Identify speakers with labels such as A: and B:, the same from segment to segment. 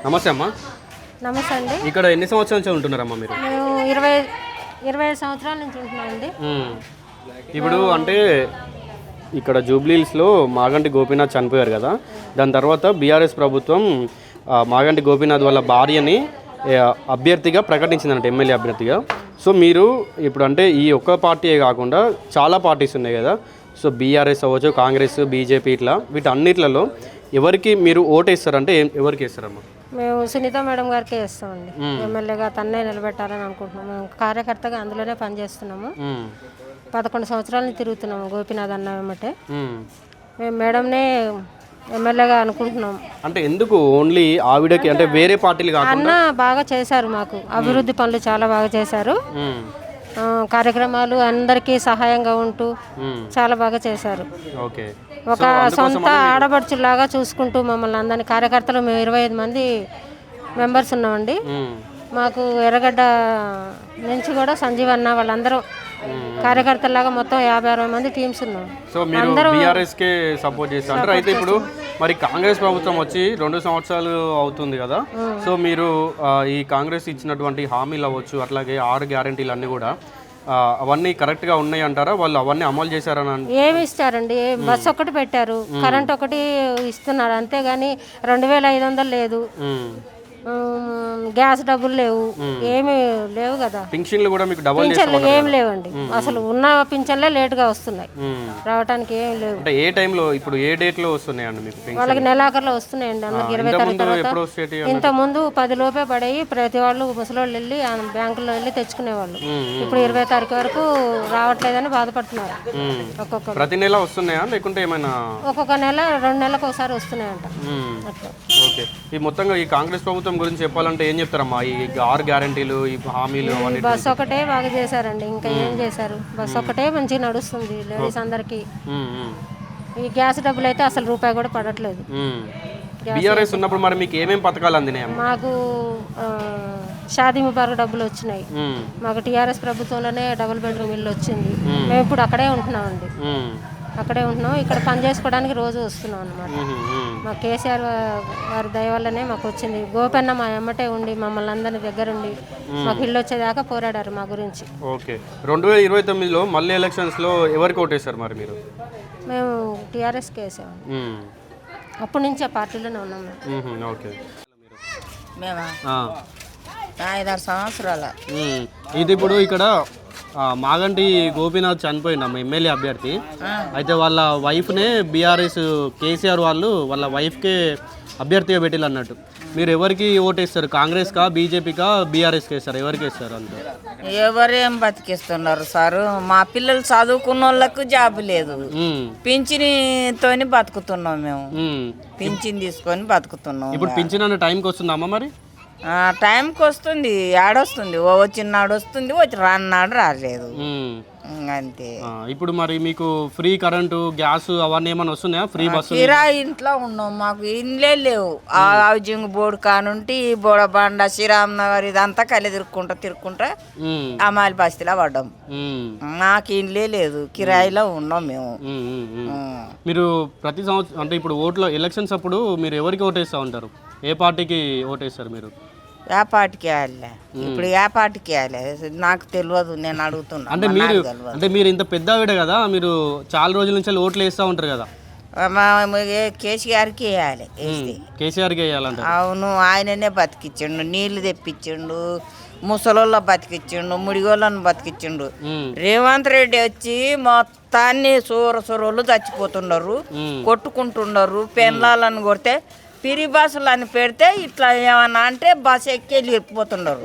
A: నమస్తే అమ్మా.
B: నమస్తే అండి.
A: ఇక్కడ ఎన్ని సంవత్సరాల నుంచి ఉంటున్నారమ్మా మీరు?
B: మేము 25 సంవత్సరాల నుంచి ఉంటున్నామండి.
A: ఇప్పుడు అంటే ఇక్కడ జూబ్లీహిల్స్లో మాగంటి గోపీనాథ్ చనిపోయారు కదా, దాని తర్వాత బీఆర్ఎస్ ప్రభుత్వం మాగంటి గోపీనాథ్ వాళ్ళ భార్యని అభ్యర్థిగా ప్రకటించిందంట, ఎమ్మెల్యే అభ్యర్థిగా. సో మీరు ఇప్పుడు అంటే ఈ ఒక్క పార్టీయే కాకుండా చాలా పార్టీస్ ఉన్నాయి కదా, సో బీఆర్ఎస్ అవ్వచ్చు, కాంగ్రెస్, బీజేపీ, ఇట్లా వీటన్నిట్లలో ఎవరికి మీరు ఓటేస్తారంటే ఎవరికి వేస్తారమ్మా?
B: మేము సునీత మేడం గారికి వేస్తామండి. ఎమ్మెల్యేగా తన్నే నిలబెట్టాలని అనుకుంటున్నాము. మేము కార్యకర్తగా అందులోనే పనిచేస్తున్నాము. 11 సంవత్సరాల నుంచి తిరుగుతున్నాము గోపీనాథ్ అన్న వెంబటే. మేము మేడంనే ఎమ్మెల్యేగా అనుకుంటున్నాము.
A: అంటే ఎందుకు ఓన్లీ ఆవిడకి, అంటే వేరే పార్టీలు కాకుండా?
B: అన్న బాగా చేశారు, మాకు అభివృద్ధి పనులు చాలా బాగా చేశారు. కార్యక్రమాలు అందరికీ సహాయంగా ఉంటూ చాలా బాగా చేశారు. ఒక సొంత ఆడపడుచులాగా చూసుకుంటూ మమ్మల్ని అందరినీ, కార్యకర్తలు మేము 25 మంది మెంబర్స్ ఉన్నామండి. మాకు ఎర్రగడ్డ నుంచి కూడా సంజీవ్ అన్న వాళ్ళందరూ కార్యకర్తలాగా మొత్తం 50-60 మంది టీమ్స్ ఉన్నాం.
A: సో మీరు బీఆర్ఎస్కే సపోర్ట్ చేస్తారు. అయితే ఇప్పుడు మరి కాంగ్రెస్ ప్రభుత్వం వచ్చి 2 సంవత్సరాలు అవుతుంది కదా, సో మీరు ఈ కాంగ్రెస్ ఇచ్చినటువంటి హామీలు అవ్వచ్చు, అట్లాగే 6 గ్యారెంటీలు అన్నీ కూడా అవన్నీ కరెక్ట్గా ఉన్నాయి అంటారా? వాళ్ళు అవన్నీ అమలు చేశారని?
B: ఏమి ఇస్తారండి, బస్సు ఒకటి పెట్టారు, కరెంట్ ఒకటి ఇస్తున్నారు, అంతేగాని 2500 లేదు, గ్యాస్ డబ్బులు లేవు, ఏమి లేవు కదా.
A: పింఛన్లు కూడా మీకు డబుల్
B: పింఛన్లు ఏమి లేవండి, అసలు ఉన్న పింఛన్లే లేట్గా వస్తున్నాయి, రావడానికి ఏమి లేవు.
A: అంటే ఏ టైంలో, ఇప్పుడు ఏ డేట్ లో వస్తున్నాయండి మీకు?
B: వాళ్ళకి నెలాఖరులో వస్తున్నాయండి, అందరికి 20 తారీఖు తర్వాత. ఇంత ముందు 10 లోపే పడేవి, ప్రతి వాళ్ళు ముసలోళ్ళు వెళ్ళి బ్యాంకులో వెళ్ళి తెచ్చుకునేవాళ్ళు. ఇప్పుడు 20 తారీఖు వరకు రావట్లేదని బాధపడుతున్నారు. ఒక్కొక్క
A: ప్రతి నెల వస్తున్నాయా లేకుంటే ఏమైనా?
B: ఒక్కొక్క నెల 2 నెలలకు ఒకసారి వస్తున్నాయంట.
A: ఓకే. ఈ మొత్తంగా ఈ కాంగ్రెస్ ప్రభుత్వం గురించి చెప్పాలంటే ఏం చెప్తారమ్మా? ఈ 6 గ్యారెంటీలు, ఈ హామీలు,
B: బస్సు ఒకటే బాగా చేశారండి, ఇంకా ఏం చేశారు? బస్సు ఒకటే మంచిగా నడుస్తుంది లేడీస్ అందరికి. ఈ గ్యాస్ డబ్బులు అయితే అసలు రూపాయి కూడా పడట్లేదు.
A: బీఆర్ఎస్ ఉన్నప్పుడు మరి మీకు ఏమేమి పథకాలు అందినాయి?
B: మాకు షాదీ ముబారక్ డబ్బులు వచ్చినాయి. మాకు టీఆర్ఎస్ ప్రభుత్వంలోనే డబుల్ బెడ్రూమ్ ఇల్లు వచ్చింది. మేము ఇప్పుడు అక్కడే ఉంటున్నామండి, అక్కడే ఉంటున్నాం. ఇక్కడ పని చేసుకోవడానికి రోజు వస్తున్నాం అన్నమాట. మా కేసీఆర్ వారి దయ వల్లనే మాకు వచ్చింది. గోపన్న మా ఎమ్మటే ఉండి మమ్మల్ని అందరినీ దగ్గరుండి మాకు ఇల్లు వచ్చేదాకా పోరాడారు మా గురించి.
A: ఓకే. 2029లో మళ్ళీ ఎలక్షన్స్లో ఎవరికి ఓటేస్తారు మరి మీరు?
B: మేము టీఆర్ఎస్కి వేసాము, అప్పటి నుంచి ఆ పార్టీలోనే ఉన్నాం మేము.
A: ఓకే.
C: మేమా 5-6 సంవత్సరాల.
A: ఇది ఇప్పుడు ఇక్కడ మాగంటి గోపీనాథ్ చనిపోయిండమ్మ, ఎమ్మెల్యే అభ్యర్థి. అయితే వాళ్ళ వైఫ్నే బీఆర్ఎస్ కేసీఆర్ వాళ్ళు వాళ్ళ వైఫ్కే అభ్యర్థిగా పెట్టిల్లు అన్నట్టు. మీరు ఎవరికి ఓటేస్తారు? కాంగ్రెస్కా, బీజేపీకా, బీఆర్ఎస్కి వేస్తారు? ఎవరికి వేస్తారు? అంతే.
C: ఎవరేం బతికిస్తున్నారు సారు? మా పిల్లలు చదువుకున్న వాళ్ళకు జాబ్ లేదు, పింఛనితోని బతుకుతున్నాం మేము. పింఛన్ తీసుకొని బతుకుతున్నాం.
A: ఇప్పుడు పింఛన్ అనే టైంకి వస్తుందమ్మా మరి?
C: టైంకి వస్తుంది, ఆడొస్తుంది, వచ్చినాడు వస్తుంది, రాన్నాడు రాలేదు, అంతే.
A: ఇప్పుడు మరి మీకు ఫ్రీ కరెంటు, గ్యాస్ అవన్నీ ఏమైనా వస్తున్నాయా? Free bus?
C: కిరాయి ఇంట్లో ఉన్నాం, మాకు ఇండ్లే లేవు. హౌజింగ్ బోర్డు కానుంటి బోడబండ, శ్రీరామ్ నగర్ ఇదంతా కలి తిరుక్కుంటా అమాలి బస్తీలో పడ్డాం. మాకు ఇండ్లే లేదు, కిరాయిలో ఉన్నాం మేము.
A: మీరు ప్రతి సంవత్సరం అంటే ఇప్పుడు ఓట్లో ఎలక్షన్స్ అప్పుడు మీరు ఎవరికి ఓటేస్తూ ఉంటారు? ఏ పార్టీకి ఓటేస్తారు మీరు?
C: ఏ పార్టీకి వేయాలి? ఇప్పుడు ఏ పార్టీకి వేయాలి నాకు తెలియదు, నేను అడుగుతున్నా.
A: అంటే మీరు ఇంత పెద్ద ఆవిడ కదా, మీరు చాలా రోజుల నుంచి ఓట్లు వేస్తూ ఉంటారు కదా.
C: కేసీఆర్కి వేయాలి.
A: కేసీఆర్కి వేయాలంటే?
C: అవును, ఆయననే బతికిచ్చిండు, నీళ్లు తెప్పించిండు, ముసలోళ్ళ బతికిచ్చిండు, ముడిగోళ్ళను బతికిచ్చిండు. రేవంత్ రెడ్డి వచ్చి మొత్తాన్ని సూరసూరోళ్ళు చచ్చిపోతున్నారు, కొట్టుకుంటున్నారు. పెన్లాలను కొడితే పిరి బస్సులు అని పెడితే ఇట్లా ఏమన్నా అంటే బస్సు ఎక్కి వెళ్ళిపోతున్నారు.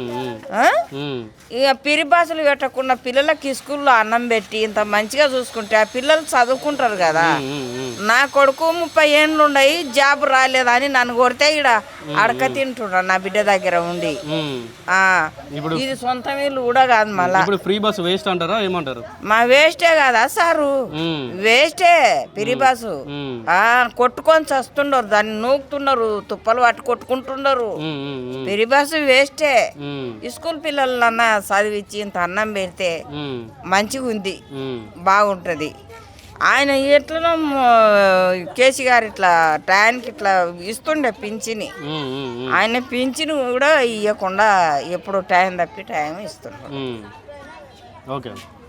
C: ఇక పిరి బస్సులు పెట్టకుండా పిల్లలకి స్కూల్లో అన్నం పెట్టి ఇంత మంచిగా చూసుకుంటే ఆ పిల్లలు చదువుకుంటారు కదా. నా కొడుకు 30 ఏండ్లు ఉన్నాయి, జాబ్ రాలేదని నన్ను కొడితే ఇక్కడ అడక తింటున్నాడు నా బిడ్డ దగ్గర ఉండి. ఇది సొంత వీళ్ళు కూడా కాదు, మళ్ళా
A: ఫ్రీ బస్ వేస్ట్ అంటారా ఏమంటారు?
C: మా వేస్టే కదా సారు, వేస్టే పిరి బస్సు. కొట్టుకొని చస్తుండరు, దాన్ని నూకుతున్నారు, తుప్పలు పట్టు కొట్టుకుంటున్నారు. పిరి బస్సు వేస్టే. స్కూల్ పిల్లలన్నా చదివించి ఇంత అన్నం పెడితే మంచిగా ఉంది, బాగుంటది. ఆయన ఎట్లనో కేసీ గారు ఇట్లా టయానికి ఇట్లా ఇస్తుండే పింఛని. ఆయన పింఛను కూడా ఇవ్వకుండా ఎప్పుడు టైం తప్పి టైం ఇస్తున్నాడు.
A: ఓకే